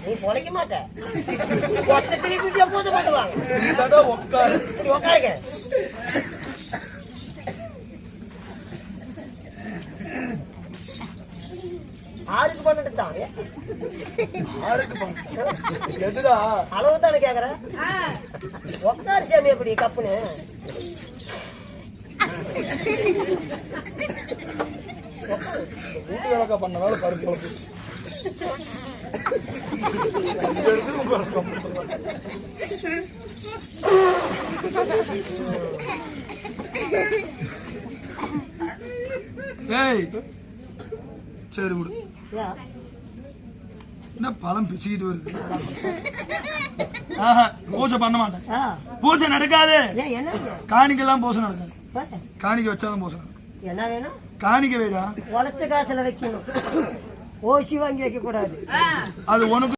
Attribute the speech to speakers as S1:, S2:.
S1: நீ பொழைக்க மாட்ட. ஒத்த திருப்பி எப்போது பண்ணுவாங்க. உட்காருங்க. ஆறுக்கு பண்ணிட்டு தான் அளவு தானே கேக்குறேன். உட்காரு சாமி எப்படி கப்புன்னு
S2: வீட்டு வேலைக்கா பண்ணனால பருப்பு சரி விடு. என்ன பழம் பிச்சுக்கிட்டு வருது. பூஜை பண்ண மாட்டேன். பூஜை நடக்காது. காணிக்கெல்லாம் பூஜை நடக்காது. காணிக்க வச்சாதான் பூஜை நடக்கும்.
S1: என்ன வேணும்?
S2: காணிக்க வேடா
S1: உழைச்ச காசுல வைக்கணும். ஓசி வாங்கி வைக்க கூடாது.
S2: அது உனக்கு